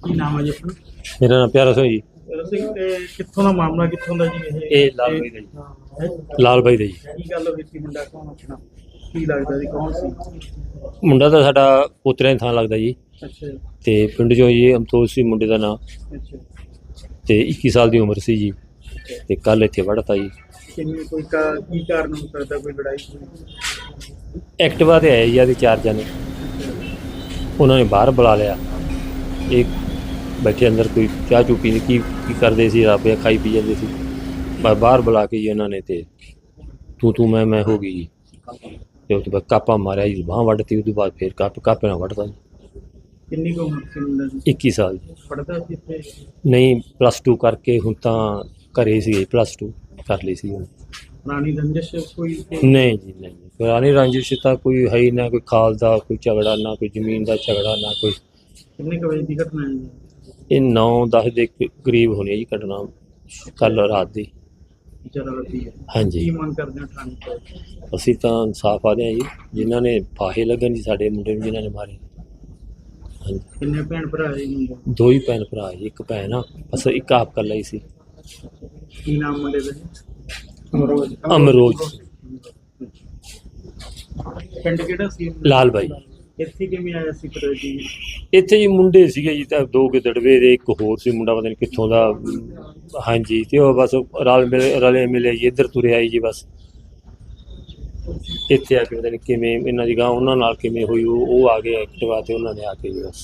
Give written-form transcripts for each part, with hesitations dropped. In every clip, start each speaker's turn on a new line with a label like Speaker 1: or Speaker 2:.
Speaker 1: ਕੀ ਨਾਮ ਹੈ ਜੀ ਆਪਣਾ?
Speaker 2: ਮੇਰਾ ਨਾਮ ਪਿਆਰਾ ਸਿੰਘ ਜੀ।
Speaker 1: ਸਿੰਘ ਤੇ ਕਿੱਥੋਂ ਦਾ ਮਾਮਲਾ, ਕਿੱਥੋਂ ਦਾ ਜੀ
Speaker 2: ਇਹ ਲਾਲ ਬਾਈ ਦਾ ਜੀ। ਲਾਲ ਬਾਈ ਦਾ ਜੀ।
Speaker 1: ਕੀ ਗੱਲ ਹੋਈ ਸੀ? ਮੁੰਡਾ ਕੌਣ ਆਪਣਾ? ਕੀ ਲੱਗਦਾ ਜੀ, ਕੌਣ ਸੀ?
Speaker 2: ਮੁੰਡਾ ਤਾਂ ਸਾਡਾ ਪੋਤਰਿਆਂ ਦੀ ਥਾਂ ਲੱਗਦਾ ਜੀ।
Speaker 1: ਅੱਛਾ ਜੀ।
Speaker 2: ਤੇ ਪਿੰਡ 'ਚੋਂ ਜੀ ਅਮਤੋਜ ਸੀ ਮੁੰਡੇ ਦਾ ਨਾਂ,
Speaker 1: ਅੱਛਾ।
Speaker 2: ਤੇ 21 ਸਾਲ ਦੀ ਉਮਰ ਸੀ ਜੀ। ਤੇ ਕੱਲ ਇੱਥੇ ਵੜਤਾ ਜੀ।
Speaker 1: ਕਿੰਨੀ ਕੋਈ ਕੀ ਕਾਰਨ ਹੋ ਸਕਦਾ? ਕੋਈ ਲੜਾਈ ਹੋਈ?
Speaker 2: ਐਕਟਿਵਾ ਤੇ ਆਏ ਜੀ ਆਦੇ 4 ਜਣੇ। ਉਹਨਾਂ ਨੇ ਬਾਹਰ ਬੁਲਾ ਲਿਆ। ਇਹ ਬੈਠੇ ਅੰਦਰ ਕੋਈ ਚਾਹ ਚੂ ਪੀਂਦੇ ਕੀ ਕਰਦੇ ਸੀ, ਰਾਬਿਆ ਖਾਈ ਪੀ ਜਾਂਦੇ ਸੀ। ਬਾਹਰ ਬੁਲਾ ਕੇ ਜੀ ਉਹਨਾਂ ਨੇ ਤੇ ਤੂੰ ਮੈਂ ਹੋ ਗਈ ਜੀ। ਤੇ ਉਹ ਤੋਂ ਬਾਅਦ ਕਾਪਾ ਮਾਰਿਆ ਜੀ, ਬਾਂਹ ਵੱਢਤੀ। ਉਹ ਤੋਂ ਬਾਅਦ ਫਿਰ ਕਾਪੇ ਨਾਲ ਵੱਢਤਾ ਜੀ।
Speaker 1: ਕਿੰਨੀ ਕੁ ਉਮਰ ਸੀ ਮੁੰਡੇ ਦੀ?
Speaker 2: 21 ਸਾਲ ਜੀ।
Speaker 1: ਪੜ੍ਹਦਾ ਸੀ ਇੱਥੇ?
Speaker 2: ਨਹੀਂ, +2 ਕਰਕੇ ਹੁਣ ਤਾਂ ਘਰੇ ਸੀ। +2 ਕਰ ਲਈ ਸੀ ਹੁਣ।
Speaker 1: ਪੁਰਾਣੀ ਰੰਜਿਸ਼ ਕੋਈ?
Speaker 2: ਨਹੀਂ ਜੀ ਨਹੀਂ, ਪੁਰਾਣੀ ਰੰਜਿਸ਼ ਤਾਂ ਕੋਈ ਹੈ ਹੀ ਨਾ। ਕੋਈ ਖਾਲ ਦਾ ਕੋਈ ਝਗੜਾ, ਨਾ ਕੋਈ ਜ਼ਮੀਨ ਦਾ ਝਗੜਾ, ਨਾ ਕੋਈ।
Speaker 1: ਕਿੰਨੇ ਕੁ ਵਜੇ ਦੀ ਘਟਨਾ ਹੈ ਜੀ?
Speaker 2: ਇਹ 9-10 ਦੇ ਕਰੀਬ ਹੋਣੀ ਹੈ ਜੀ ਘਟਨਾ, ਕੱਲ ਰਾਤ ਦੀ।
Speaker 1: ਜ਼ਿਆਦਾ ਲੱਗੀ ਹੈ?
Speaker 2: ਹਾਂਜੀ।
Speaker 1: ਕੀ ਮੰਗ ਕਰਦੇ ਹੋ ਥਾਣੇ ਤੋਂ?
Speaker 2: ਅਸੀਂ ਤਾਂ ਇਨਸਾਫ ਆਦੇ ਹਾਂ ਜੀ, ਜਿਨ੍ਹਾਂ ਨੇ ਫਾਹੇ ਲੱਗਣ ਜੀ ਸਾਡੇ ਮੁੰਡੇ ਨੂੰ, ਜਿਨ੍ਹਾਂ ਨੇ ਮਾਰੇ। ਹਾਂਜੀ।
Speaker 1: ਕਿੰਨੇ ਭੈਣ ਭਰਾ ਹੈ ਜੀ ਮੁੰਡੇ?
Speaker 2: 2 ਹੀ ਭੈਣ ਭਰਾ ਜੀ, ਇੱਕ ਭੈਣ ਆ ਬਸ, ਇੱਕ ਆਪ ਕੱਲਾ ਹੀ ਸੀ।
Speaker 1: ਕੀ ਨਾਮ ਮੁੰਡੇ ਦਾ ਜੀ?
Speaker 2: ਅਮਰੋਜ।
Speaker 1: ਪਿੰਡ ਕਿਹੜਾ ਸੀ?
Speaker 2: ਲਾਲ ਬਾਈ।
Speaker 1: ਇੱਥੇ ਕਿਵੇਂ ਆਇਆ ਸੀ ਫਿਰ ਜੀ?
Speaker 2: ਇੱਥੇ ਜੀ ਮੁੰਡੇ ਸੀਗੇ ਜੀ, ਤਾਂ 2 ਗਿੱਦੜਵੇ ਦੇ, ਇੱਕ ਹੋਰ ਸੀ ਮੁੰਡਾ ਪਤਾ ਨਹੀਂ ਕਿੱਥੋਂ ਦਾ। ਹਾਂਜੀ। ਤੇ ਉਹ ਬਸ ਰਲੇ ਮਿਲੇ ਜੀ, ਇੱਧਰ ਤੁਰੇ ਆਈ ਜੀ ਬਸ। ਇੱਥੇ ਆ ਕੇ ਪਤਾ ਨਹੀਂ ਕਿਵੇਂ ਇਹਨਾਂ ਦੀ ਗਾਂ ਉਹਨਾਂ ਨਾਲ ਕਿਵੇਂ ਹੋਈ। ਉਹ ਆ ਗਏ ਐਕਟਿਵਾ ਤੇ, ਉਹਨਾਂ ਨੇ ਆ ਕੇ ਜੀ ਬਸ।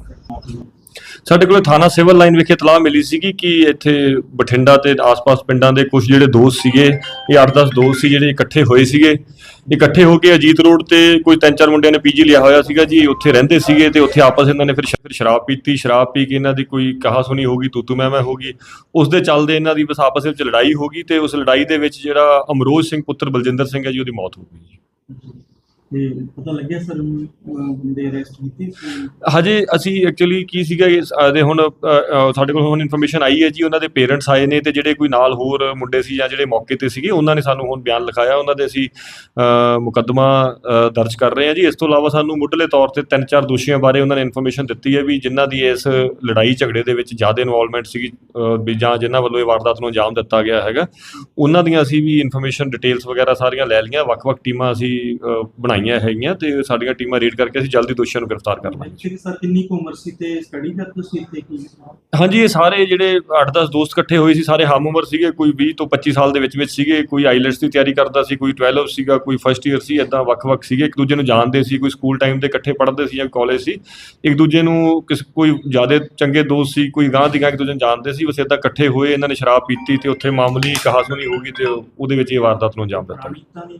Speaker 3: ਸਾਡੇ ਕੋਲ ਥਾਣਾ ਸਿਵਲ ਲਾਈਨ ਵਿਖੇ ਇਤਲਾਹ ਮਿਲੀ ਸੀਗੀ ਕਿ ਇੱਥੇ ਬਠਿੰਡਾ ਤੇ ਆਸ-ਪਾਸ ਪਿੰਡਾਂ ਦੇ ਕੁਝ ਜਿਹੜੇ ਦੋਸਤ ਸੀਗੇ, ਇਹ 8-10 ਦੋਸਤ ਸੀ ਜਿਹੜੇ ਇਕੱਠੇ ਹੋਏ ਸੀਗੇ। ਇਕੱਠੇ ਹੋ ਕੇ ਅਜੀਤ ਰੋਡ ਤੇ ਕੋਈ 3-4 ਮੁੰਡਿਆਂ ਨੇ ਪੀਜੀ ਲਿਆ ਹੋਇਆ ਸੀਗਾ ਜੀ, ਉੱਥੇ ਰਹਿੰਦੇ ਸੀਗੇ। ਤੇ ਉੱਥੇ ਆਪਸ ਇਹਨਾਂ ਨੇ ਫਿਰ ਸ਼ਰਾਬ ਪੀਤੀ। ਸ਼ਰਾਬ ਪੀ ਕੇ ਇਹਨਾਂ ਦੀ ਕੋਈ ਕਹਾ ਸੁਣੀ ਹੋ ਗਈ, ਤੂੰ ਮੈਂ ਹੋ ਗਈ। ਉਸ ਦੇ ਚੱਲਦੇ ਇਹਨਾਂ ਦੀ ਬਸ ਆਪਸ ਵਿੱਚ ਲੜਾਈ ਹੋ ਗਈ। ਤੇ ਉਸ ਲੜਾਈ ਦੇ ਵਿੱਚ ਜਿਹੜਾ ਅਮਰੋਜ ਸਿੰਘ ਪੁੱਤਰ ਬਲਜਿੰਦਰ ਸਿੰਘ ਹੈ ਜੀ, ਉਹਦੀ ਮੌਤ ਹੋ ਗਈ ਜੀ।
Speaker 1: ਤੇ ਪਤਾ ਲੱਗਿਆ ਸਰ ਬੰਦੇ ਅਰੈਸਟ ਕੀਤੇ ਸੀ?
Speaker 3: ਹਜੇ ਅਸੀਂ ਐਕਚੁਅਲੀ ਕੀ ਸੀਗਾ ਇਹਦੇ ਹੁਣ ਸਾਡੇ ਕੋਲ ਹੁਣ ਇਨਫੋਰਮੇਸ਼ਨ ਆਈ ਹੈ ਜੀ, ਉਹਨਾਂ ਦੇ ਪੇਰੈਂਟਸ ਆਏ ਨੇ। ਤੇ ਜਿਹੜੇ ਕੋਈ ਨਾਲ ਹੋਰ ਮੁੰਡੇ ਸੀ ਜਾਂ ਜਿਹੜੇ ਮੌਕੇ ਤੇ ਸੀਗੇ, ਉਹਨਾਂ ਨੇ ਸਾਨੂੰ ਹੁਣ ਬਿਆਨ ਲਿਖਾਇਆ। ਉਹਨਾਂ ਦੇ ਅਸੀਂ ਮੁਕੱਦਮਾ ਦਰਜ ਕਰ ਰਹੇ ਹਾਂ ਜੀ। ਇਸ ਤੋਂ ਇਲਾਵਾ ਸਾਨੂੰ ਮੁੱਢਲੇ ਤੌਰ ਤੇ 3-4 ਦੋਸ਼ੀਆਂ ਬਾਰੇ ਉਹਨਾਂ ਨੇ ਇਨਫੋਰਮੇਸ਼ਨ ਦਿੱਤੀ ਹੈ ਵੀ ਜਿਨ੍ਹਾਂ ਦੀ ਇਸ ਲੜਾਈ ਝਗੜੇ ਦੇ ਵਿੱਚ ਜ਼ਿਆਦਾ ਇਨਵੋਲਵਮੈਂਟ ਸੀਗੀ, ਵੀ ਜਾਂ ਜਿਨ੍ਹਾਂ ਵੱਲੋਂ ਇਹ ਵਾਰਦਾਤ ਨੂੰ ਅੰਜਾਮ ਦਿੱਤਾ ਗਿਆ ਹੈਗਾ, ਉਹਨਾਂ ਦੀਆਂ ਅਸੀਂ ਵੀ ਇਨਫੋਰਮੇਸ਼ਨ ਡਿਟੇਲਸ ਵਗੈਰਾ ਸਾਰੀਆਂ ਲੈ ਲਈਆਂ। ਵੱਖ-ਵੱਖ ਟੀਮਾਂ ਅਸੀਂ ਬਣਾਈਆਂ ਹੈਗੀਆਂ ਤੇ ਸਾਡੀਆਂ ਟੀਮਾਂ ਰੇਡ ਕਰਕੇ ਅਸੀਂ ਜਲਦੀ ਦੋਸ਼ੀਆਂ ਨੂੰ ਗ੍ਰਿਫਤਾਰ ਕਰ ਲਾਂਗੇ।
Speaker 1: ਸਰ ਕਿੰਨੀ ਕੁ ਉਮਰ ਸੀ ਤੇ ਸਟੱਡੀ ਕਰਦੇ ਸੀ ਇੱਥੇ ਕੀ?
Speaker 3: ਹਾਂਜੀ, ਇਹ ਸਾਰੇ ਜਿਹੜੇ 8-10 ਦੋਸਤ ਇਕੱਠੇ ਹੋਏ ਸੀ, ਸਾਰੇ ਹਮ ਉਮਰ ਸੀਗੇ। ਕੋਈ 20 ਤੋਂ 25 ਸਾਲ ਦੇ ਵਿੱਚ ਸੀਗੇ। ਕੋਈ ਆਈਲੈਟਸ ਦੀ ਤਿਆਰੀ ਕਰਦਾ ਸੀ, ਕੋਈ 12 ਸੀਗਾ, ਕੋਈ ਫਸਟ ਈਅਰ ਸੀ। ਇੱਦਾਂ ਵੱਖ-ਵੱਖ ਸੀਗੇ, ਇੱਕ ਦੂਜੇ ਨੂੰ ਜਾਣਦੇ ਸੀ। ਕੋਈ ਸਕੂਲ ਟਾਈਮ ਦੇ ਇਕੱਠੇ ਪੜ੍ਹਦੇ ਸੀ ਜਾਂ ਕਾਲਜ ਸੀ। ਇੱਕ ਦੂਜੇ ਨੂੰ ਕੋਈ ਜ਼ਿਆਦਾ ਚੰਗੇ ਦੋਸਤ ਸੀ, ਕੋਈ ਗਾਂਹ ਦੀ ਗਾਂਹ ਇੱਕ ਦੂਜੇ ਨੂੰ ਜਾਣਦੇ ਸੀ। ਬਸ ਇੱਦਾਂ ਇਕੱਠੇ ਹੋਏ, ਇਹਨਾਂ ਨੇ ਸ਼ਰਾਬ ਪੀਤੀ ਤੇ ਉੱਥੇ ਮਾਮੂਲੀ ਕਹਾਸੁਣੀ ਹੋ ਗਈ ਤੇ ਉਹਦੇ ਵਿੱਚ ਇਹ ਵਾਰਦਾਤ ਨੂੰ ਅੰਜਾਮ ਦਿੱਤਾ।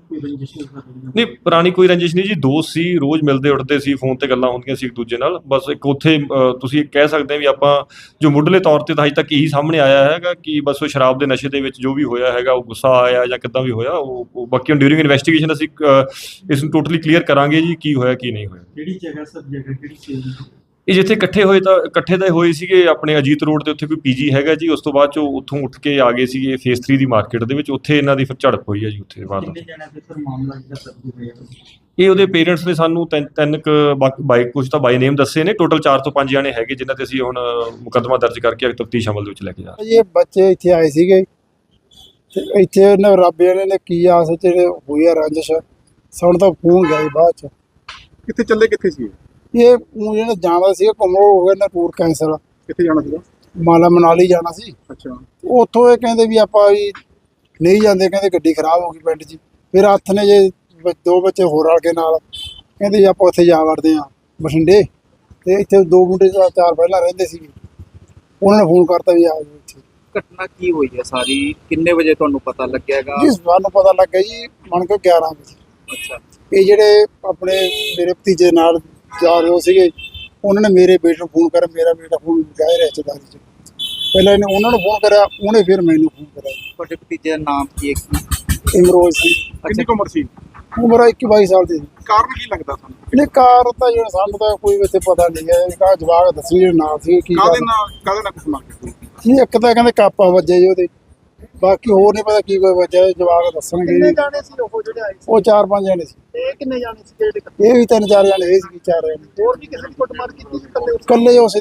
Speaker 3: ਨਹੀਂ, ਪੁਰਾਣੀ ਕੋਈ ਰੰਜਿਸ਼ ਨਹੀਂ ਜੀ। ਦੋਸਤ ਸੀ, ਰੋਜ਼ ਮਿਲਦੇ ਉੱਠਦੇ ਸੀ, ਫੋਨ ਤੇ ਗੱਲਾਂ ਹੁੰਦੀਆਂ ਸੀ ਇੱਕ ਦੂਜੇ ਨਾਲ। ਬਸ ਇੱਕ ਉੱਥੇ ਤੁਸੀਂ ਕਹਿ ਸਕਦੇ ਵੀ ਆਪਾਂ ਜੋ ਮੁੱਢਲੇ ਤੌਰ ਤੇ ਤਾਂ ਅਜੇ ਤੱਕ ਇਹੀ ਸਾਹਮਣੇ ਆਇਆ ਹੈਗਾ ਕਿ ਬਸ ਉਹ ਸ਼ਰਾਬ ਦੇ ਨਸ਼ੇ ਦੇ ਵਿੱਚ ਜੋ ਵੀ ਹੋਇਆ ਹੈਗਾ, ਉਹ ਗੁੱਸਾ ਆਇਆ ਜਾਂ ਕਿੱਦਾਂ ਵੀ ਹੋਇਆ, ਉਹ ਬਾਕੀ ਹੁਣ ਡਿਊਰਿੰਗ ਇਨਵੈਸਟੀਗੇਸ਼ਨ ਅਸੀਂ ਇਸ ਨੂੰ ਟੋਟਲੀ ਕਲੀਅਰ ਕਰਾਂਗੇ ਜੀ ਕੀ ਹੋਇਆ ਕੀ ਨਹੀਂ ਹੋਇਆ।
Speaker 1: ਕਿਹੜੀ ਜਗ੍ਹਾ ਸਰ, ਜਗ੍ਹਾ ਕਿਹੜੀ ਸੀ?
Speaker 3: ਇਹ ਜਿੱਥੇ ਇਕੱਠੇ ਤਾਂ ਹੋਏ ਸੀਗੇ ਆਪਣੇ ਅਜੀਤ ਰੋਡ ਤੇ, ਉੱਥੇ ਕੋਈ ਪੀਜੀ ਹੈਗਾ ਜੀ। ਉਸ ਤੋਂ ਬਾਅਦ ਚੋਂ ਉੱਥੋਂ ਉੱਠ ਕੇ ਆ ਗਏ ਸੀਗੇ ਫੇਸ 3 ਦੀ ਮਾਰਕੀਟ ਦੇ ਵਿੱਚ। ਉੱਥੇ ਇਹਨਾਂ ਦੀ ਫਿਰ ਝੜਪ ਹੋਈ ਹੈ ਜੀ ਉੱਥੇ ਬਾਅਦ।
Speaker 1: ਕਿੰਨੇ ਜਣਿਆਂ ਤੇ ਸਰ ਮਾਮਲਾ ਜਿਹੜਾ ਦਰਜ ਹੋਇਆ?
Speaker 3: ਇਹ ਉਹਦੇ ਪੇਰੈਂਟਸ ਨੇ ਸਾਨੂੰ ਤਿੰਨ ਬਾਈ ਕੁਝ ਤਾਂ ਬਾਈ ਨੇਮ ਦੱਸੇ ਨੇ। ਟੋਟਲ 4 ਤੋਂ 5 ਜਣੇ ਹੈਗੇ ਜਿਨ੍ਹਾਂ ਤੇ ਅਸੀਂ ਹੁਣ ਮੁਕੱਦਮਾ ਦਰਜ ਕਰਕੇ ਤਫਤੀਸ਼ ਅਮਲ ਦੇ ਵਿੱਚ ਲੈ ਕੇ ਜਾ ਰਹੇ।
Speaker 4: ਇਹ ਬੱਚੇ ਇੱਥੇ ਆਏ ਸੀਗੇ ਤੇ ਇੱਥੇ ਇਹਨਾਂ ਰੱਬੇ ਨੇ ਕੀ ਆਸ ਵਿੱਚ ਹੋਈ ਆ ਰੰਜਿਸ਼। ਸਾਨੂੰ ਤਾਂ ਫੋਨ ਗਿਆ ਬਾਅਦ ਚ।
Speaker 5: ਕਿੱਥੇ ਚੱਲੇ, ਕਿੱਥੇ ਸੀ
Speaker 4: ਇਹ ਜਿਹੜਾ ਜਾਣਾ ਸੀ ਘੁੰਮੋ ਹੋ ਗਿਆ ਨਾ, ਟੂਰ ਕੈਂਸਲ।
Speaker 5: ਕਿੱਥੇ ਜਾਣਾ ਸੀਗਾ?
Speaker 4: ਮਾਲਾ ਮਨਾਲੀ ਜਾਣਾ ਸੀ।
Speaker 5: ਅੱਛਾ।
Speaker 4: ਉੱਥੋਂ ਇਹ ਕਹਿੰਦੇ ਵੀ ਆਪਾਂ ਵੀ ਨਹੀਂ ਜਾਂਦੇ, ਕਹਿੰਦੇ ਗੱਡੀ ਖਰਾਬ ਹੋ ਗਈ ਪਿੰਡ 'ਚ। ਫਿਰ ਹੱਥ ਨੇ ਜੇ 2 ਬੱਚੇ ਹੋਰ ਰਲ ਕੇ ਨਾਲ ਕਹਿੰਦੇ ਜੀ ਆਪਾਂ ਉੱਥੇ ਜਾ ਵੜਦੇ ਹਾਂ ਬਠਿੰਡੇ। ਤੇ ਇੱਥੇ 2 ਮੁੰਡੇ 4 ਪਹਿਲਾਂ ਰਹਿੰਦੇ ਸੀਗੇ, ਉਹਨਾਂ ਨੇ ਫੋਨ ਕਰਤਾ ਵੀ ਆ ਜਾਓ ਇੱਥੇ।
Speaker 6: ਘਟਨਾ ਕੀ ਹੋਈ ਹੈ ਸਾਰੀ? ਕਿੰਨੇ ਵਜੇ ਤੁਹਾਨੂੰ ਪਤਾ ਲੱਗਿਆਗਾ?
Speaker 4: ਜੀ ਸਾਨੂੰ ਪਤਾ ਲੱਗਿਆ ਜੀ ਮੰਨ ਕੇ 11 ਵਜੇ।
Speaker 6: ਅੱਛਾ।
Speaker 4: ਇਹ ਜਿਹੜੇ ਆਪਣੇ ਮੇਰੇ ਭਤੀਜੇ ਨਾਲ ਜਾ ਰਹੇ ਸੀਗੇ, ਉਹਨਾਂ ਨੇ ਮੇਰੇ ਬੇਟੇ ਨੂੰ ਫੋਨ ਕਰਿਆ। ਮੇਰਾ ਬੇਟਾ ਫੋਨ ਗਏ ਰਿਸ਼ਤੇਦਾਰੀ 'ਚ। ਪਹਿਲਾਂ ਇਹਨੇ ਉਹਨਾਂ ਨੂੰ ਫੋਨ ਕਰਿਆ, ਉਹਨੇ ਫਿਰ ਮੈਨੂੰ ਫੋਨ ਕਰਿਆ।
Speaker 6: ਤੁਹਾਡੇ ਭਤੀਜੇ ਦਾ ਨਾਮ ਕੀ ਹੈ?
Speaker 4: ਇਮਰੋਜ਼ ਸੀ।
Speaker 5: ਕਿੰਨੀ ਕੁ ਉਮਰ ਸੀ?
Speaker 4: ਉਮਰ 21-22 ਸਾਲ ਦੀ ਸੀ।
Speaker 5: ਕਾਰਨ ਕੀ ਲੱਗਦਾ ਤੁਹਾਨੂੰ?
Speaker 4: ਨਹੀਂ, ਕਾਰ ਤਾਂ ਜਿਹੜਾ ਸਾਨੂੰ ਤਾਂ ਕੋਈ ਇੱਥੇ ਪਤਾ ਨਹੀਂ ਹੈ। ਕਾ ਜਵਾਬ ਦੱਸੀ ਜਿਹੜੇ ਨਾਲ ਸੀ ਕੀ
Speaker 5: ਕਾਹਦੇ ਨਾਲ ਕੁਛ ਮਾਰ ਕੇ?
Speaker 4: ਨਹੀਂ, ਇੱਕ ਤਾਂ ਕਹਿੰਦੇ ਕਾਪਾ ਵੱਜਿਆ ਜੀ ਉਹਦੇ, ਬਾਕੀ ਹੋਰ ਨਹੀਂ ਪਤਾ ਕੀ ਕੋਈ ਵੱਜਿਆ। ਜਵਾਬ ਦੱਸਣਗੇ।
Speaker 1: ਕਿੰਨੇ ਜਾਣੇ ਸੀ ਉਹ ਜਿਹੜੇ ਆਏ ਸੀ?
Speaker 4: ਉਹ 4-5 ਜਣੇ ਸੀ।
Speaker 1: ਇਹ ਕਿੰਨੇ ਜਾਣੇ ਸੀ ਜਿਹੜੇ?
Speaker 4: ਇਹ ਵੀ 3-4 ਜਣੇ, ਇਹ ਸੀ 4 ਜਣੇ।
Speaker 1: ਹੋਰ ਵੀ ਕਿਸੇ ਦੀ ਕੁੱਟਮਾਰ ਕੀਤੀ ਸੀ?
Speaker 4: ਇਕੱਲੇ ਉਸੇ ਦੀ ਕੀਤੀ।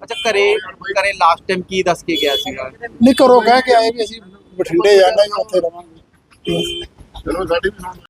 Speaker 6: ਅੱਛਾ ਘਰੇ ਲਾਸਟ ਟਾਈਮ ਕੀ ਦੱਸ ਕੇ ਗਿਆ ਸੀਗਾ?
Speaker 4: ਨਹੀਂ ਘਰੋਂ ਕਹਿ ਕੇ ਆਏ ਵੀ ਅਸੀਂ ਬਠਿੰਡੇ ਜਾਣਾ ਜੀ, ਉੱਥੇ ਰਵਾਂਗੇ।
Speaker 5: ਚਲੋ ਸਾਡੀ ਵੀ ਸੁਣ